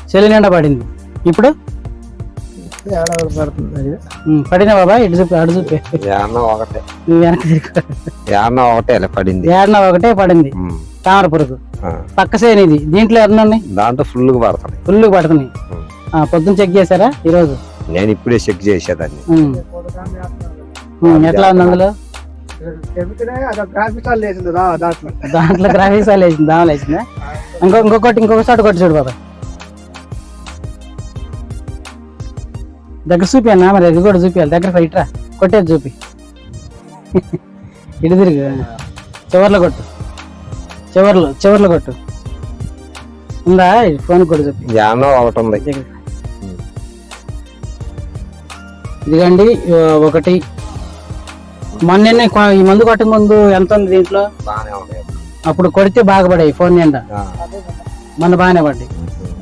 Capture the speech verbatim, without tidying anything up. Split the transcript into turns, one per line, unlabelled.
చెల్లి నిండా పడింది. ఇప్పుడు
పడుతుంది
పడినా బాబా ఇటు చూపి అటు చూపి
ఏడన్నా ఒకటే
నువ్వు వెనక తిరుగు.
ఏడన్నా ఒకటే ఇలా పడింది.
ఏడన ఒకటే పడింది
ఉమ్.
తామర పురుగు.
ఆ.
పక్క సేను ఇది. దీంట్లో ఎన్ని ఉన్నాయి?
దాంట్లో ఫుల్ గా పడుతున్నాయి.
ఫుల్ పడుతున్నాయి.
ఉమ్.
ఆ, పొద్దున్న చెక్ చేశారా ఈరోజు?
నేను ఇప్పుడే చెక్ చేసేదాన్ని.
ఉమ్. ఉమ్, ఎట్లా ఉంది అందులో?
దాంట్లో
దాంట్లో గ్రాఫిక్స్ వేసింది, దామలు వేసిందా? ఇంకో ఇంకొకటి ఇంకొక చోట కొట్టి చూడు బాబా. దగ్గర చూపియాలి మరి, దగ్గర కూడా చూపియాలి. దగ్గర ఇట్రా కొట్టేది చూపి. ఇటు తిరిగి చివర్లో కొట్టు, చివర్లో చివర్లో కొట్టు. ఉందా ఫోన్ కూడా చూపి.
ఏడన్నా ఒకటి ఉంది.
ఇదిగండి ఒకటి. మొన్న ఈ మందు కొట్టే ముందు ఎంత ఉంది దీంట్లో?
బాగానే ఉన్నాయి.
అప్పుడు కొడితే బాగా పడాయి ఫోన్ నిండా,
ఆ.
మన బాగానే పడ్డాయి.